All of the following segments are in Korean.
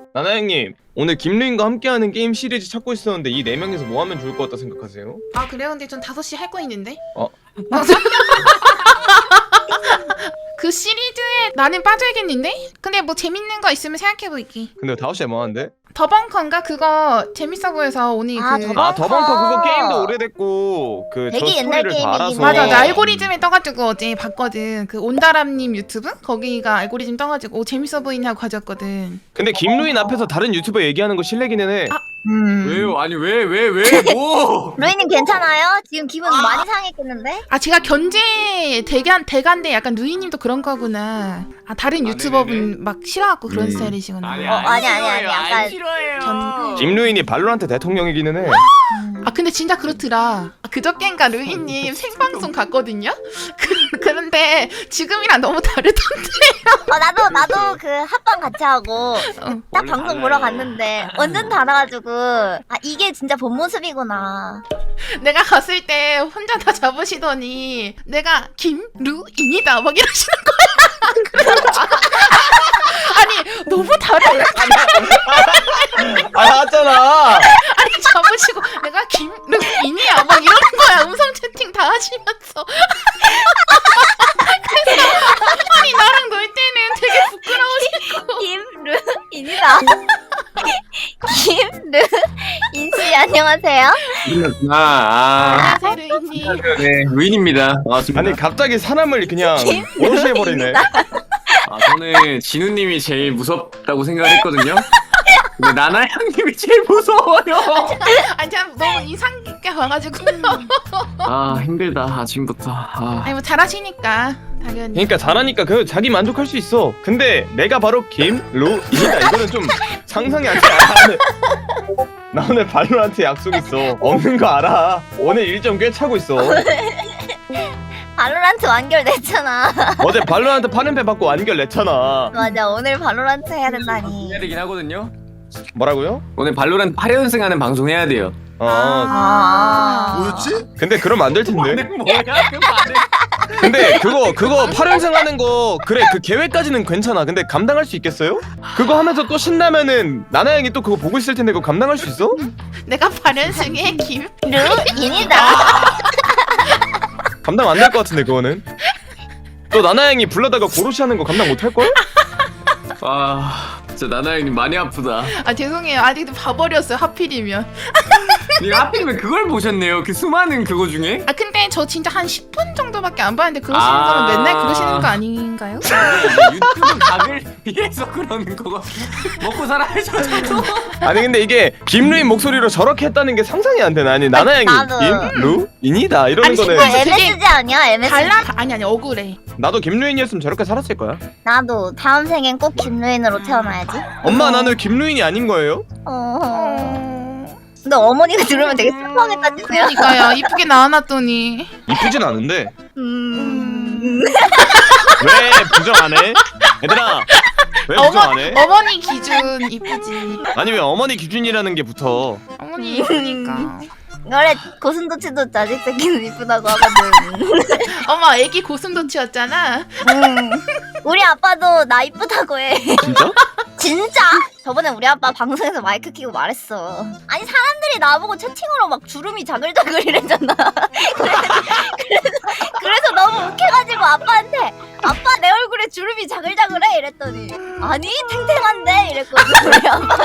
나나 형님, 오늘 김루인과 함께하는 게임 시리즈 찾고 있었는데 이 네 명에서 뭐 하면 좋을 것 같다 생각하세요? 아 그래요? 근데 전 5시 할 거 있는데. 그 시리즈에 나는 빠져야겠는데? 근데 뭐 재밌는 거 있으면 생각해볼게. 근데 5시에 뭐 하는데? 더벙커인가? 그거 재밌어 보여서 오늘 아, 그 더벙커. 아 더벙커 그거 게임도 오래됐고 그 저 되게 옛날 스토리를 다 알아서 게임이긴 맞아, 네. 나 알고리즘에 떠가지고 어제 봤거든. 그 온다람님 유튜브? 거기가 알고리즘 떠가지고 오 재밌어 보이네 하고 가져왔거든. 근데 김루인 앞에서 다른 유튜버 얘기하는 거 실례기는 해. 아. 왜요? 아니 왜 뭐? 루이님 괜찮아요? 지금 기분 많이 상했겠는데? 아 제가 견제 대간데 약간 누이님도 그런 거구나. 아 다른 아, 유튜버분 네네네. 막 싫어하고 그런 음. 스타일이시구나. 아니 아니, 싫어요. 약간 싫어요. 김루인이 발로란트 대통령이기는 해. 아 근데 진짜 그렇더라. 아, 그저껜가 루이님 생방송 갔거든요. 그런데 지금이랑 너무 다르던데. 나도 그 합방 같이 하고 딱 원래 방송 달라요. 보러 갔는데 완전 달아가지고 아 이게 진짜 본 모습이구나. 내가 갔을 때 혼자 다 잡으시더니 내가 김루인이다 막 이러시는 거야. 그래가지고 아니 너무 다르네. 아 맞잖아. 아니 잡으시고 내가 김루인이야 막 이러는 거야. 음성 채팅 다 하시면서. 그래서 아니 나랑 놀 때는 되게 부끄러우시고. 김루인이다. 김루인씨 안녕하세요. 아, 안녕하세요 루이님. 네, 루인입니다. 반갑습니다. 아니 갑자기 사람을 그냥 오롯이 해버리네. 아, 저는 진우님이 제일 무섭다고 생각을 했거든요. 근데 나나 형님이 제일 무서워요. 아니 참 너무 인상 깊게 봐가지고. 아 힘들다 아침부터. 아. 아니 뭐 잘하시니까 당연히. 그러니까 잘하니까 그 자기 만족할 수 있어. 근데 내가 바로 김루인이다. 이거는 좀 상상이 안 돼. 나 오늘 발로란트 약속 있어. 없는 거 알아. 오늘 일정 꽤 차고 있어. 발로란트 완결됐잖아. 어제 발로란트 8연패 받고 완결 냈잖아. 맞아 오늘 발로란트 해야 된다니. 해야 되긴 하거든요. 뭐라고요? 오늘 발로란트 8연승 하는 방송 해야 돼요. 아, 뭐였지? 근데 그러면 안 될 텐데. 뭐야 그 말은? 근데 그거 8연승 하는 거 그래 그 계획까지는 괜찮아. 근데 감당할 수 있겠어요? 그거 하면서 또 신나면은 나나 형이 또 그거 보고 있을 텐데 그거 감당할 수 있어? 내가 8연승에 김. 루인이다. 감당 안 될 것 같은데 그거는. 또 나나 형이 불러다가 고로시 하는 거 감당 못 할 걸? 아 진짜 나나 형님 많이 아프다. 아 죄송해요. 아직도 봐버렸어요. 하필이면. 니가 하필이면 그걸 보셨네요. 그 수많은 그거 중에. 아 근데 저 진짜 한 10분 정도밖에 안 봤는데 그러시는 거면 맨날 그러시는 거 아닌가요? 유튜브 각을 위해서 그러는 거고 먹고 살아야죠. 아니 근데 이게 김루인 목소리로 저렇게 했다는 게 상상이 안 되나? 아니 나나 형이 나도. 김루인이다 이러는 아니, 거는 정말 되게 MSG 아니야 MSG? 달라? 아니 억울해. 나도 김루인이었으면 저렇게 살았을 거야. 나도 다음 생엔 꼭 김루인으로 태어나야지. 엄마 나는 김루인이 아닌 거예요? 근데 어머니가 들으면 되게 슬퍼하겠다 진짜. 그러니까요. 이쁘게 낳아놨더니. 이쁘진 않은데 음... 왜 부정 안 해? 얘들아 왜 부정 안 해? 어머니 기준 이쁘지. 아니 왜 어머니 기준이라는 게 붙어? 어머니 이쁘니까. 원래 고슴도치도 자식 새끼는 이쁘다고 하거든. 엄마 애기 고슴도치였잖아. 우리 아빠도 나 이쁘다고 해. 진짜? 진짜? 저번에 우리 아빠 방송에서 마이크 켜고 말했어. 아니 사람들이 나보고 채팅으로 막 주름이 자글자글 이랬잖아. 그래서 너무 웃겨가지고 아빠한테 아빠 내 얼굴에 주름이 자글자글해 이랬더니 아니 탱탱한데 이랬거든 우리 아빠가.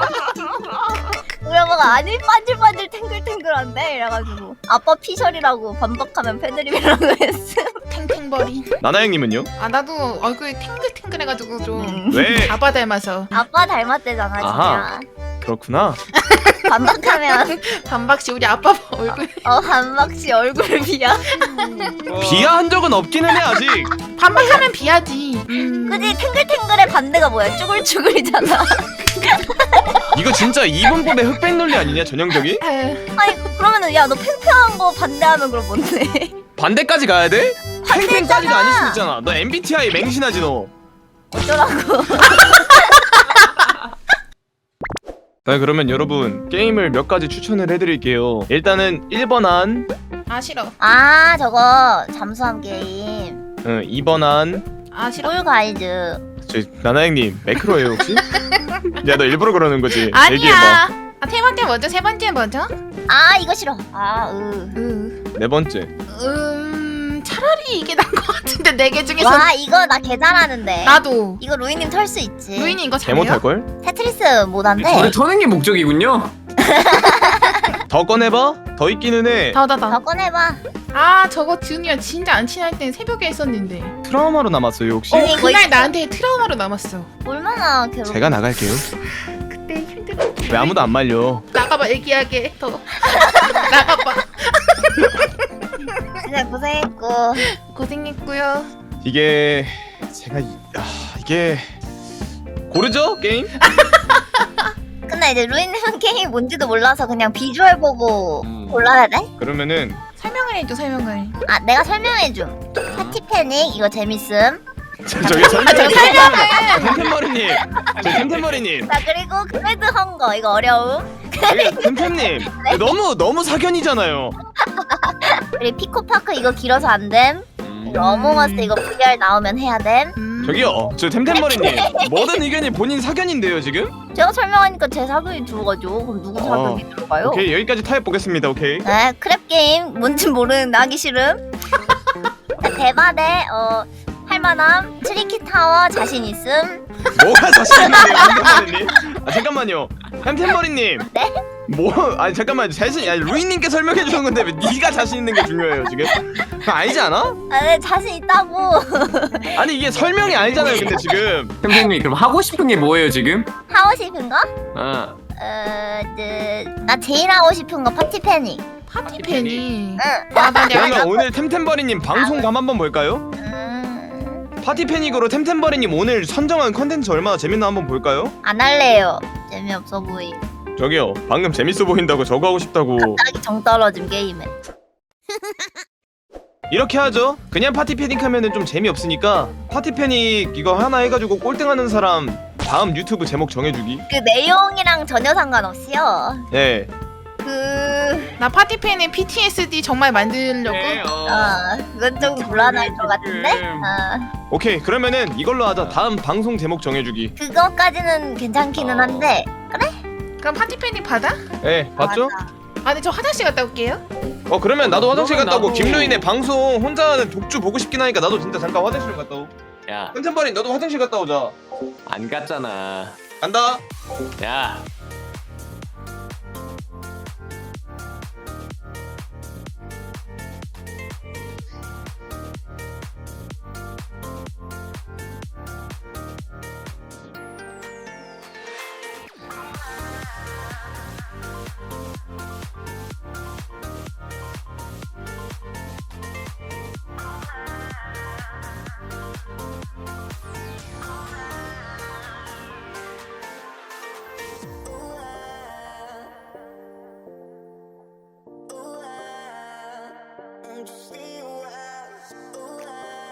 우리 아빠가 아니 반질반질 탱글탱글한데 이래가지고 아빠 피셜이라고 반박하면 패드립이라고 했어. 탱탱버린. 나나 형님은요? 아 나도 얼굴이 탱글탱글해가지고 좀 왜? 아빠 닮아서. 아빠 닮았대잖아 진짜. 아하. 그렇구나. 반박하면 반박시 우리 아빠 얼굴. 반박시 얼굴 비야. 비하한 적은 없기는 해 아직. 반박하면 비하지. 그지 탱글탱글의 반대가 뭐야? 쭈글쭈글이잖아. 이거 진짜 이분법의 흑백 논리 아니냐 전형적이? 아유, 아니 그러면은 야 너 팽팽한 거 반대하면 그럼 뭔데? 반대까지 가야 돼? 팽팽까지도 반대잖아. 아닐 수 있잖아. 너 MBTI 맹신하지 너. 어쩌라고? 자 그러면 여러분 게임을 몇 가지 추천을 해드릴게요. 일단은 1번 안, 아 싫어. 아 저거 잠수함 게임. 2번 안. 아 싫어. 꿀 가이드. 저 나나 형님 매크로예요 혹시? 야 너 일부러 그러는 거지? 얘기해봐. 아니야. 아, 세 번째 뭐죠? 세 번째 뭐죠? 아 이거 싫어. 네 번째. 차라리 이게 나은 것 같은데 네 개 중에서. 와 이거 나 개 잘하는데. 나도. 이거 루이님 털 수 있지. 루인이 이거 개 잘해요? 못할 걸? 테트리스 못한데. 저를 터는 게 목적이군요. 더 꺼내봐. 더 있기는 해. 더 더. 꺼내봐. 아 저거 준이랑 진짜 안 친할 땐 새벽에 했었는데. 트라우마로 남았어요 혹시? 이거 그날 있어. 나한테 트라우마로 남았어. 얼마나 괴롭. 제가 나갈게요. 그때 힘들어. 왜 아무도 안 말려? 나가봐 얘기하게 더. 나가봐. 진짜 고생했고. 고생했고요. 이게 이게 고르죠 게임? 근데 이제 루이님은 게임이 뭔지도 몰라서 그냥 비주얼 보고 골라야 돼? 그러면은 설명을 해줘 설명을. 아 내가 설명해줌. 파티 패닉 이거 재밌음. 저기 설명을 템템머리님 템템머리님 자 그리고 그레드 헝거 이거 어려움. 저기 템템님 너무 사견이잖아요. 그리고 피코파크 이거 길어서 안 됨. 그리고 어몽어스 이거 VR 나오면 해야 됨. 저기요 저 템템머리님 모든 의견이 본인 사견인데요 지금? 제가 설명하니까 제 사극이 들어가죠. 그럼 누구 사극이 들어가요? 오케이 여기까지 타협 보겠습니다. 오케이. 네, 크랩 게임 뭔지 모르는 하기 싫음. 대바대 할만함. 트리키 타워 자신 있음. 뭐가 자신 있는데요 템템머리님? 아 잠깐만요 템템머리님 네? 뭐 아니 잠깐만요 아니 루이님께 설명해 주는 건데 왜 네가 자신 있는 게 중요해요 지금? 그거 아니지 않아? 아, 네, 자신 있다고. 아니 이게 설명이 아니잖아요 근데 지금. 선생님 그럼 하고 싶은 게 뭐예요 지금? 하고 싶은 거? 아 나 제일 하고 싶은 거 파티 패닉. 파티 팬이. 응. 아나 내가 그러면 오늘 템템버리님 방송감 한번 볼까요? 파티 패닉으로 템템버리님 오늘 선정한 컨텐츠 얼마나 재밌나 한번 볼까요? 안 할래요. 재미없어 보임. 저기요 방금 재밌어 보인다고 저거 하고 싶다고. 갑자기 정 떨어짐 게임에. 이렇게 하죠. 그냥 파티 패닉 하면은 좀 재미없으니까 파티 패닉 이거 하나 해가지고 꼴등하는 사람 다음 유튜브 제목 정해주기. 그 내용이랑 전혀 상관없이요. 네. 나 파티 팬의 PTSD 정말 만들려고. 그건 좀 곤란할 것 같은데. 오케이 그러면은 이걸로 하자. 다음 방송 제목 정해주기. 그거까지는 괜찮기는 한데. 그럼 파티 팬이 받아? 네 봤죠? 맞아. 아 근데 저 화장실 갔다 올게요. 그러면 나도 화장실 갔다 오고 나도- 김루인의 방송 혼자 하는 독주 보고 싶긴 하니까 나도 진짜 잠깐 화장실 갔다 오. 야, 템템버린 너도 화장실 갔다 오자. 안 갔잖아. 간다. 야. Just